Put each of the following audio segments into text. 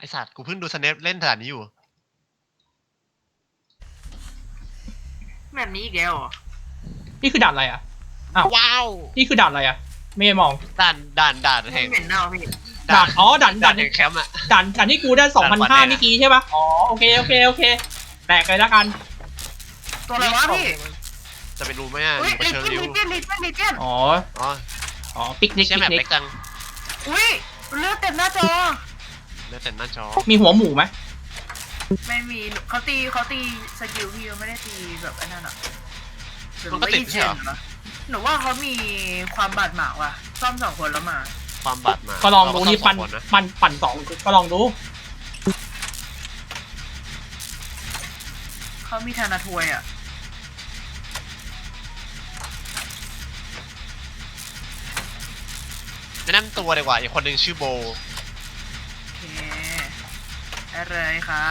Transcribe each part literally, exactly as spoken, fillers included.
ไอสัตว์กูเพิ่งดูสเนปเล่นด่านนี้อยู่แบบนี้อีกแล้วนี่คือด่านอะไรอ่ะอ้าวว้าวนี่คือด่านอะไรอ่ะไม่มองด่านด่านด่านแห่งเหม็นเน่าพี่ด่านอ๋อด่านด่าด่าน นแห่งแคมป์อะด่านด่านที่กูได้สองพันห้าด่านเมื่อกี้ใช่ปะอ๋อโอเคโอเคโอเคแตกเลยแล้วกันตัวอะไรวะพี่จะไปรู้ไหมอ่ะอุ้ยอยู่กับลิเชอเจรินวลิเจนลิเจนลิเจนอ๋ออ๋ออ๋อปิกนิกใช่ปิแมกปนิกเล็กจังอุ้ยเลือดเต็มหน้าจอเนื้อแต่หน้าจอมีหัวหมูไหมไม่มีเขาตีเขาตีสกิลพี่ไม่ได้ตีแบบไอ้นั่นอ่ะมันก็ติดใช่เหรอหนูว่าเขามีความบาดหมางว่ะซ่อมสองคนแล้วมาความบาดมาก็ลองดูนี่ปั่นเราก็ต้องสองคนะปั่นปั่นสองก็ลองดูเขามีธนาทวยอ่ะแนะนำตัวดีกว่าอีกคนหนึ่งชื่อโบโอเคอะไรครับ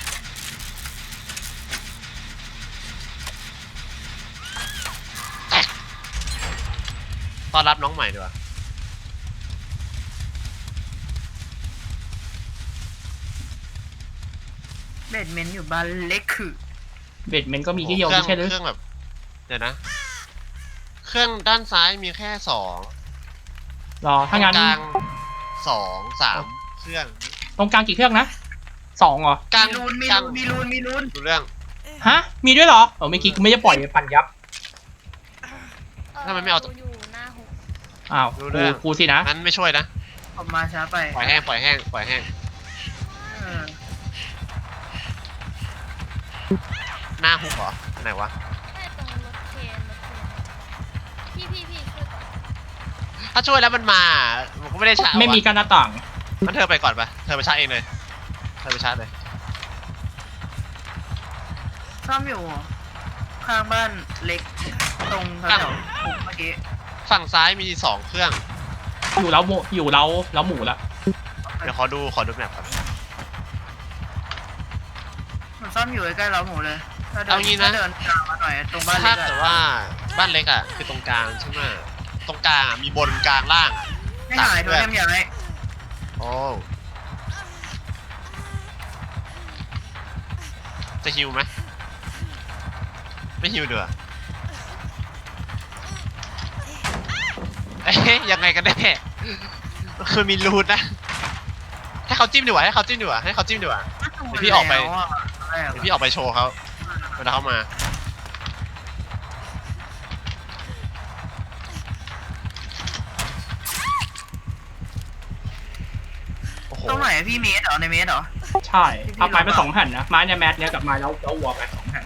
ต้อนรับน้องใหม่ดีกว่าเบดเมนต์อยู่บ้านเล็กคือเบดเมนก็มีที่เดียวเครื่ไม่ใช่หรือเครื่องแบบเดี๋ยวนะ เครื่องด้านซ้ายมีแค่สองรอถ้างั้นตรงกลางสองสามเครื่องตรงกลางกี่เครื่องนะสองเหรอกลางมีรูนมีกลารูงนมีรูนมีรูนดูเรื่องฮะมีด้วยเหรอเออเมื่อกี้กูไม่ได้ปล่อยปั่นยับทำไมไม่เอาอยู่หน้าหุบอ้าวรู้เรื่กูองกูสินะนั้นไม่ช่วยนะผมมาช้าไปปล่อยแห้งปล่อยแห้งปล่อยแห้งเออหน้าฮุกเหรอไหนวะแค่ตรงรถเคนรถเคนพี่พี่พี่ช่วยก่อนถ้าช่วยแล้วมันมามันก็ไม่ได้ช้าไม่มีการหน้าต่างงั้นเธอไปก่อนปะเธอไปชาร์จเองเลยเธอไปชาร์จเลยซ่อมอยู่ข้างบ้านเล็กตรงแถวๆผมเมื่อกี้ฝั่งซ้ายมีสองเครื่องอยู่แล้วหมูอยู่แล้วแล้วหมูละเดี๋ยวขอดูขอดูแมปก่อนมันซ่อมอยู่ใกล้ๆเราหมูเลยถ้าเดิเอางี้นะถ้าเดินตามมาหน่อยตรงบ้านเล็ถ้าก เกิดอะว่าบ้านเล็กอ่ะคือตรงกลางใช่ไหมตรงกลางอ่ะมีบนกลางล่างไม่หายโทรเทมย้ายโอ้จะฮิวไหมไม่ฮิวเดือเอ๊ะยังไงกันแน่คือมีรูทนะให้เขาจิ้มดีกว่าให้เขาจิ้มดีกว่าให้เขาจิ้มดีกว่า เดี๋ยวพี่ออกไปแล้วะอะไรอะเดี๋ยวพี่ออกไปโชว์เขาเวลาเขามาโอ้โหตรงไหนอะพี่เมสเหรอในเมสเหรอใช่เอาไม้ไปสองแผ่นนะไม้เนี่ยแมทเนี่ยกับไม้แล้วแล้ววัวไปสองแผ่น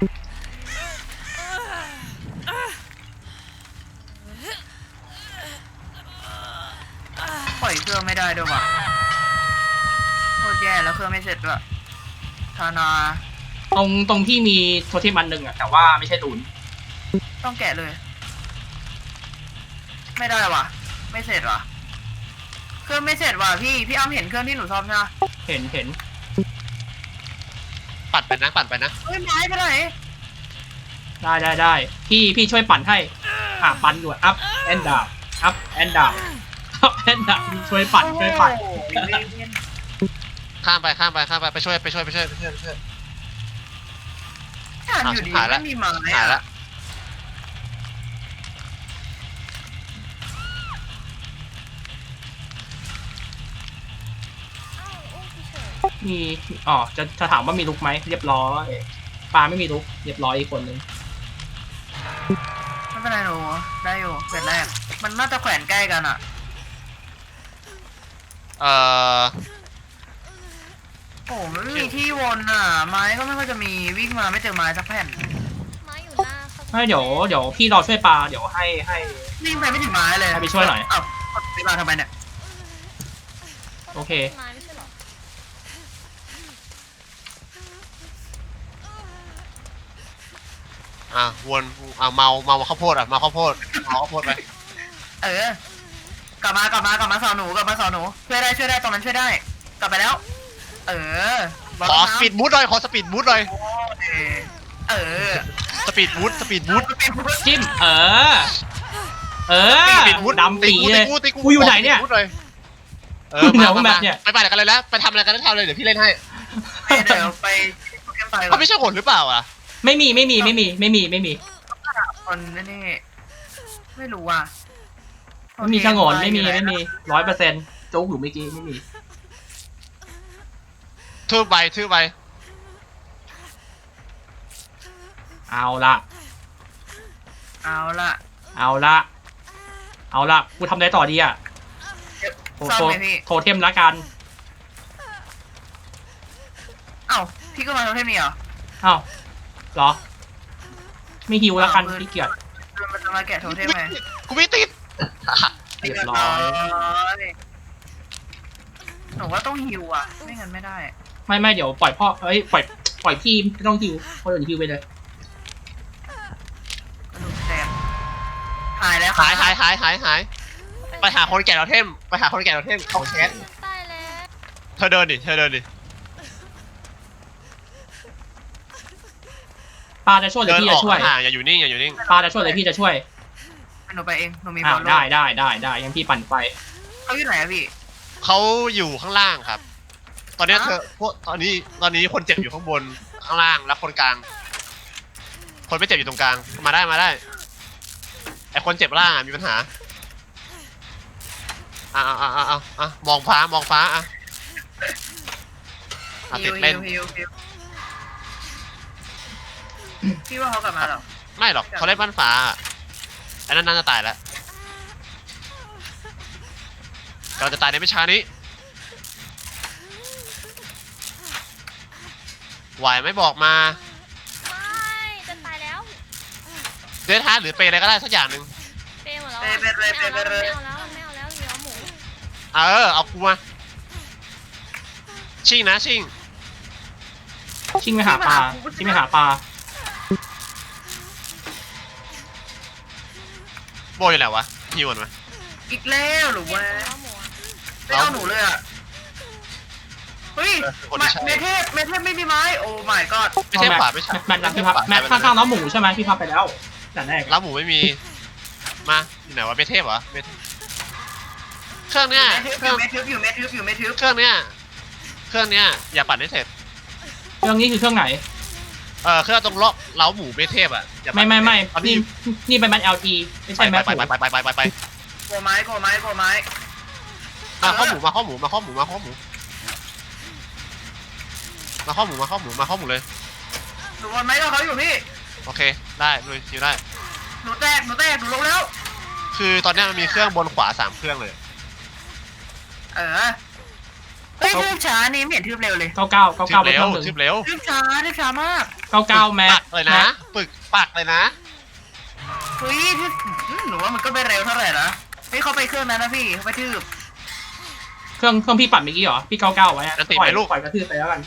ปล่อยเครื่องไม่ได้ด้วยว่ะโคตรแย่แล้วเครื่องไม่เสร็จด้วยธานาตรงตรงที่มีโทเทมอันหนึ่งอะแต่ว่าไม่ใช่รูนต้องแกะเลย ไม่ได้ว่ะ ไม่เสร็จว่ะ เครื่องไม่เสร็จว่ะพี่พี่อ้ำเห็นเครื่องที่หนูซ่อมใช่ไหมเห็นเห็นปัดไปนะปัดไปนะเฮ้ยไม้ไปไหนได้ได้ได้พี่พี่ช่วยปั่นให้อ่ะปั่นอยู่อัพแอนด์ดาวอัพแอนด์ดาวอัพแอนด์ดาวช่วยปั่นช่วยปั่นโอ้โหข้ามไปข้ามไปข้ามไปไปช่วยไปช่วยไปช่วยไปช่วยไปช่วยอ่านอยู่ดีหายละไม่มีไม้หายอะละอ้าวอุ้มพี่เฉยมีอ๋อจะจะถามว่ามีลุกไหมเรียบร้อยปลาไม่มีลุกเรียบร้อยอีกคนนึงไม่เป็นไรหนูได้อยู่เสร็จแรกมันน่าจะแขวนใกล้กันอ่ะเอ่อโอ้มันไม่มีที่วนอ่ะ ไม้ก็ไม่ค่อยจะมีวิ่งมาไม่เจอไม้สักแผ่นไม้อยู่หน้าเขาไม่เดี๋ยวเดี๋ยวพี่รอช่วยปลาเดี๋ยวให้ให้วิ่งไปไม่ถึงไม้เลยให้ไปช่วยหน่อยอ้าวไปมาทำไมเนี่ยโอเคไม้ไม่ใช่เหรออ่ะวนอ่ะเมาเมาข้าวโพดอ่ะเมาข้าวโพดเมาข้าวโพดไปเออกลับมากลับมากลับมาสอนหนูกลับมาสอนหนูช่วยได้ช่วยได้ตรงนั้นช่วยได้ กลับไปแล้ว เออขอสปีดบูทหน่อยขอสปีดบูทหน่อยเออเออสปีดบูทสปีดบูทจิ้มเออ เออสปีดบูทดำปีเลยตีกูอยู่ไหนเนี่ยขสปีดบูทหเออเดี๋มายวมาแบมาบเนี่ยไปไปไหนกันเลยแล้วไปทำอะไรกันแล้วทำเลยเดี๋ยวพี่เล่นให้ไปเดี๋ยวไปโปเกมอนไปก่อเขานไม่ใช่คนหรือเปล่าอ่ะไม่มีไม่มีไม่มีไม่มีไม่มีคนนี่ไม่รู้อ่ะไม่มีชะงนไม่มีไม่มีร้อยเปอร์เซ็นต์โจ๊กอยู่เมื่อกี้ไม่มีทืบไปทืบไปเอาละเอาละเอาละเอาละกูทำอะไรต่อดีอ่ะโทรซ่อมโทรไหมพี่โทรเทมละกันเอ้าพี่ก็มาทำให้มีเหรอเอ้าเหรอไม่ฮิวละกันอ้าวมือขี้เกียจมันจะมาแกะโทเทมไหมกูไม่ติดเรียบร้อยยหนูว่าต้องฮิวอ่ะ ไม่งั้นไม่ได้ไม่ไม่เดี๋ยวปล่อยพ่อเอ้ยปล่อยปล่อยพี่ไม่ต้องฮิวคนอื่นฮิวไปเลยกระดูกแตกหายแล้วหายหายหายหายหายไปหาคนแก่เราเทมไปหาคนแก่เราเทมเขาแคสตายแล้วเธอเดินดิเธอเดินดิปาจะช่วยหรือเดินพี่อจะอกช่วยห่างๆอย่าอยู่นิ่งอย่าอยู่นิ่งปาจะช่วยหรือพี่จะช่วยหนูไปเอง หนูมีบอ้าอวลได้ได้ได้ได้ยังพี่ปั่นไปเขาอยู่ไหนอะพี่เขาอยู่ข้างล่างครับ ตอนเนี้ยฮะเธอพวกตอนนี้ตอนนี้คนเจ็บอยู่ข้างบนข้างล่างแล้วคนกลาง คนไม่เจ็บอยู่ตรงกลางมาได้มาได้ไอคนเจ็บล่างอะมีปัญหาอ่ะอ่ะอ่ะอ่ะอ่ะมองฟ้ามองฟ้าอ่ะอ่ะฮิติวดฮิเล่นวฮิวฮิวพี่ว่าเขากลับมาเหรอไม่หรอกเขาเล่นบ้านฟ้าอ่ะอันนั้นน่าจะตายแล้วเราจะตายในไม่ช้านี้ไหวไหม่บอกมาไม่จะตายแล้วเดทฮาร์ดหรือเปย์อะไรก็ได้สักอย่างหนึ่งเปย์หมดแล้วเปย์เปย์เปย์เปย์เปย์เปย์ไม่เอาแล้วไม่เอาแล้วเหลือหมูเออเอากูมาชิงนะชิงชิงไปหาปลาชิงไปหาปลาโบอยู่ไหนวะฮิวก่อนไหมอีกแล้วหรือเปลี่ยว่านตัวแล้วหมูอะไม่เอาหนูเลยอ่ะ เฮ้ยคนที่ใช่เมเทพเมเทพไม่มีไม้ โอ้ my god ไม่ใช่ขวาไม่ใช่แมทแมทพี่พับแมทข้างๆน้องหมูใช่ไหมพี่พับไปแล้วแต่แรกร้านหมูไม่มีมาอยู่ไหนวะเมเทพเหรอเมเทพเครื่องเนี้ยเมเครื่องทึบอยู่เมทึบอยู่เมทึบอยู่เมทึบเครื่องเนี้ยเครื่องเนี้ยอย่าปั่นให้เสร็จเครื่องนี้คือเครื่องไหนเออเครื่องตรงเลาะเล้าหมูเมเทพอ่ะอย่าปั่ไม่นไม่ไม่เอานี่ที่นี่เป็นแมท แอล ที ไม่ไปใช่แมทไปไปไปไปไปไปไปโกไม้โกไม้โกไม้มาข้อหมูมาข้อหมูมาข้อหมูมาข้อหมูมาข้อหมูมาข้อหมูมาข้อหมูเลยหนูบอลไม้กับเขาอยู่พี่โอเคได้เลยคิวได้หนูแตก หนูแตก หนูลงแล้วคือตอนเนี้ยมันมีเครื่องบนขวาสามเครื่องเลยเออ เฮ้ยทืบช้านี่ไม่เห็นทืบเร็วเลยเก้าเก้าเก้าทึเก้าบไปเคเร็วรื่องหนึ่งทึบเร็วทืบช้าทืบช้ามากเก้าเก้าแมปัทกเลยนะ ปึกปักเลยนะเฮ้ยทืบอืมหนูว่ามันก็ไม่เร็วเท่าไหร่นะเฮ้ยเขาไปเครื่องนั้นนะพี่เขาไปทืบเครื่องเครื่องพี่ปั่นเมื่อกี้เหรอพี่เก้าเก้าไว้อะจะติดปล่ไหอมยลูกปล่อยกระทืบไปแล้วกัน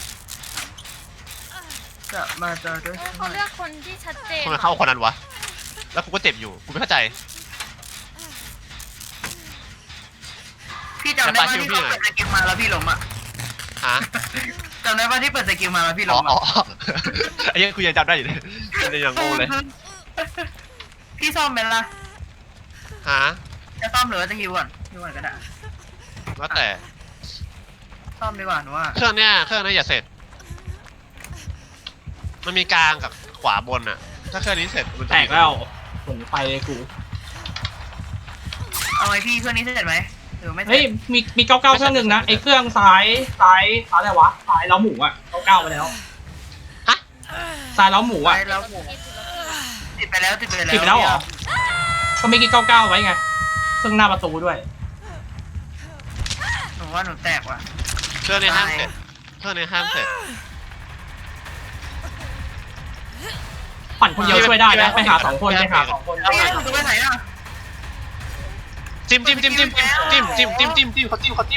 จะมาเจอด้วยเออเขาเลือกคนที่ชัดเจนทำไมเข้าคนนั้นวะ แล้วกูก็เจ็บอยู่ กูไม่เข้าใจพี่จำได้ว่าที่เขาเปิดสกิลมาแล้วพี่ล้มอ่ะฮะจำได้ว่าที่เปิดสกิลมาแล้วพี่อ๋ล้อมอ๋ออ่ะอ๋อไอ้เหี้ยังกูยังจำได้อยู่เลยยังยังงงเลยพี่ซ่อมเป็นละฮะจะซ่อมหรือว่าจะฮิวก่อนฮิวก่อนก็ได้แล้วแต่ซ่อมดีกว่าหนูว่าเครื่องเนี้ย เครื่องเนี้ยอย่าเสร็จ มันมีกลางกับขวาบนอะถ้าเครื่องนี้เสร็จมันจะแตกแล้วผมไปเลยกูเอาไงพี่เครื่องนี้เสร็จไหมหรือไม่เสร็เฮ้ยจมีมีเก้าเก้าเครื่องหนึ่งนะไอ้เครื่องซ้ายซ้ายซ้ายอะไรวะซ้ายเล้าหมูอ่ะเก้าเก้าไปแล้วฮะซ้ายเล้าหมูไปอ่ะแล้วหมูติดไปแล้วติดไปแล้วติดไปแล้วเหรอก็ไม่กี่เก้าเก้าไว้ไงเครื่องหน้าประตูด้วยหนูว่าหนูแตกว่ะเครื่องนี้ห้ามเสร็จ เครื่องนี้ห้ามเสร็จปั่นคนเดียวช่วยได้นะไปหาสองคนไปหาสองคนเฮ้ยหนูจะไปไหนอ่ะจิ้มจิ้มจิ้มจิ้มจิ้มจิ้มจิ้มจิ้มจิ้มเขาจิ้มเขาจิ้ม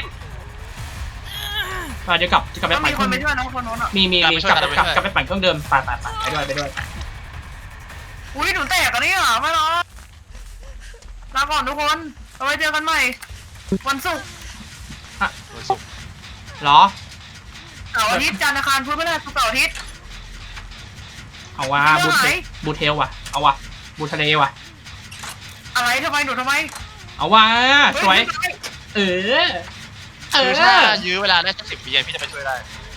อ่ะเดี๋ยวกลับจะกลับไปต้องปั่นมีเคครื่นองไปช่วยน้องคนโน้นอ่ะมีมีมีกกลัลับบ ไปช่วยกลับกลับไปช่วยกลับไปปั่นเครื่องเดิมไปไปไปไปด้วยไปด้วยอุ้ยหนูแตกกันนี่เหรอไม่หรอลาก่อนทุกคนเอาไว้เจอกันใหม่วันศุกร์วันศุกร์เหรอเสาร์อาทิตย์จันทร์อังคารพุธพฤหัสศุกร์เสาร์อาทิตย์เอาว่ะบูเทบูเทลว่ะเอาว่ะบูทะเลว่ะอะไรทำไมหนูทำไมเอาว่ะเฮ้สวยหนูทำไมเออเออคือถ้ายื้อเวลาได้สักสิบวิพี่จะไปช่วยได้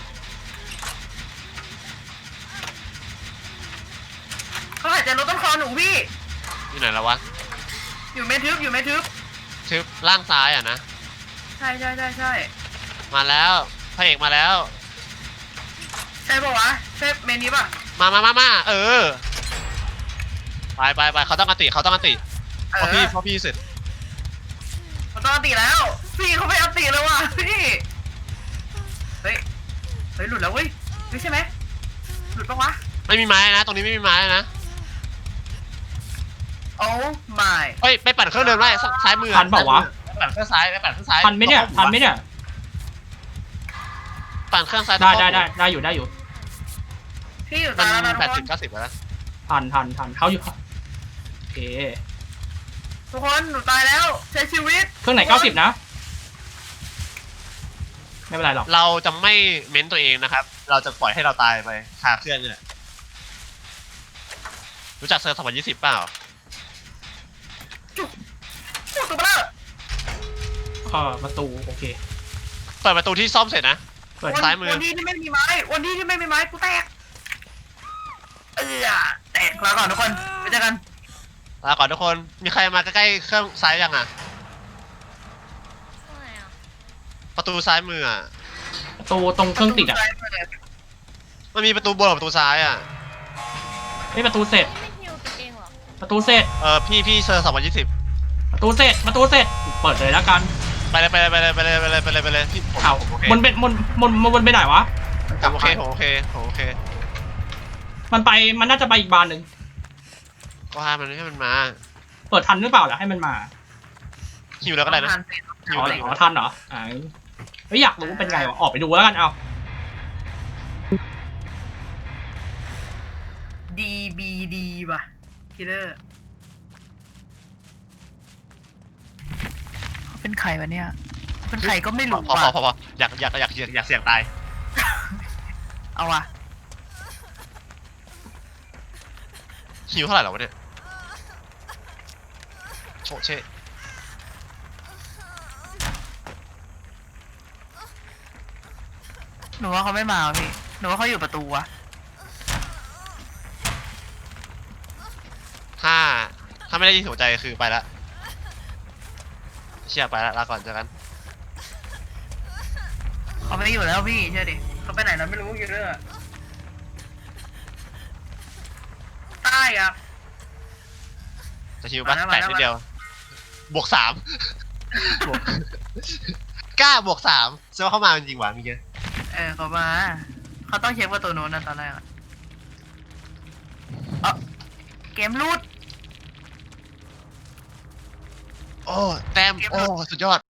เขาหายใจลดต้นคอหนูพี่อยู่ไหนแล้ววะอยู่เมทึบอยู่เมทึบทึบล่างซ้ายอ่ะนะใช่ใช่ใช่ใช่มาแล้วพระเอกมาแล้วใช่ปะวะใช่เมนี้ปะมามามามาเออไปไปไปเขาต้องอันติเขาต้องอันติเอพอพี่อพอพี่เสร็จเขาต้องอันติแล้วพี่เขาไม่อันติแล้วว่ะพี่เฮ้ยเฮ้ยหลุดแล้วเว้ยไม่ใช่ไหมหลุดปะวะไม่มีไม้นะ ตรงนี้ไม่มีไม้นะโอ้ my เฮ้ยไปปั่นเครื่องเดิมได้ซ้ายมือทันเปล่าวะไปปั่นเครื่องซ้ายไปปั่นเครื่องซ้ายทันไหมเนี่ยทันไหมเนี่ยปั่นเครื่องซ้ายได้ได้ได้ได้อยู่ได้อยู่พี่อยู่มัตายแล้วนะนทุแปกดคสินบเก้าสิบแล้วทันทันทันเขาอยู่โอเคทุกคนหนูตายแล้วใช้ชีวิตเครื่องไหนเก้าสิบนะไม่เป็นไรหรอกเราจะไม่เม้นตัวเองนะครับ เราจะปล่อยให้เราตายไปคาเครื่องเนี่ยรู้จักเซอร์สองพันยี่สิบเปล่าจุ๊บจุ๊บตัวเบลอเออประตูโอเคเปิดประตูที่ซ่อมเสร็จนะเปิดซ้ายมือวันที่ที่ไม่มีไม้วันที่ที่ไม่มีไม้กูแตกเออแตกแล้วก่อนทุกคนไปเจอกันลาก่อนทุกคนมีใครมาใกล้ๆเครื่องซ้ายยังอ่ะตรงไหนอ่ะประตูซ้ายมืออ่ะประตูตรงเครื่องติดอ่ะมันมีประตูบนกับประตูซ้ายอ่ะไม่ประตูเสร็จนี่ไม่ฮิวตัวเองเหรอประตูเสร็จเออพี่พี่เซอร์สองพันยี่สิบประตูเสร็จประตูเสร็จเปิดเลยแล้วกันไปเลยไปเลยไปเลยไปเลยไปเลยไปเลยไปเลยพี่ผมเอาผมโอเคมันเป็นมันมันมันมันไปไหนวะผมโอเคผมโอเคผมโอเคมันไปมันน่าจะไปอีกบานหนึ่งก็ห้ามมันให้มันมาเปิดทันหรือเปล่าล่ะให้มันมาหิวแล้วก็ได้นะอ๋ออ๋อทันเหรออ่าเฮ้ยอยากรู้เป็นไงวะออกไปดูแล้วกันเอาดีบีดีป่ะคิลเลอร์เขาเป็นใครวะเนี่ยเป็นใครก็ไม่พอรู้พออ่ะพอพออยากอยากอยากอยากอยากเสี่ยงตายเอาว่ะหิวเท่าไหร่แล้ววะเนี่ยโชเช่หนูว่าเขาไม่มาว่ะพี่หนูว่าเขาอยู่ประตูวะถ้าถ้าไม่ได้ยินหัวใจคือไปละเชี่ยไปละลาก่อนเจอกันเขาไม่อยู่แล้วพี่เชื่อดิเขาไปไหนแล้วไม่รู้คิลเลอร์ใต้อะจะหิวปะมาแล้วแปดมาแล้วนิดเดียวบวกสามบวกกล้าบวกสามเชื่อว่าเข้ามาจริงๆหวะเมื่อกี้เออเขามาเขาต้องเช็คประตูโน้นนะตอนแรกอะเออเกมรูดโอ้แต้มโอ้สุดยอด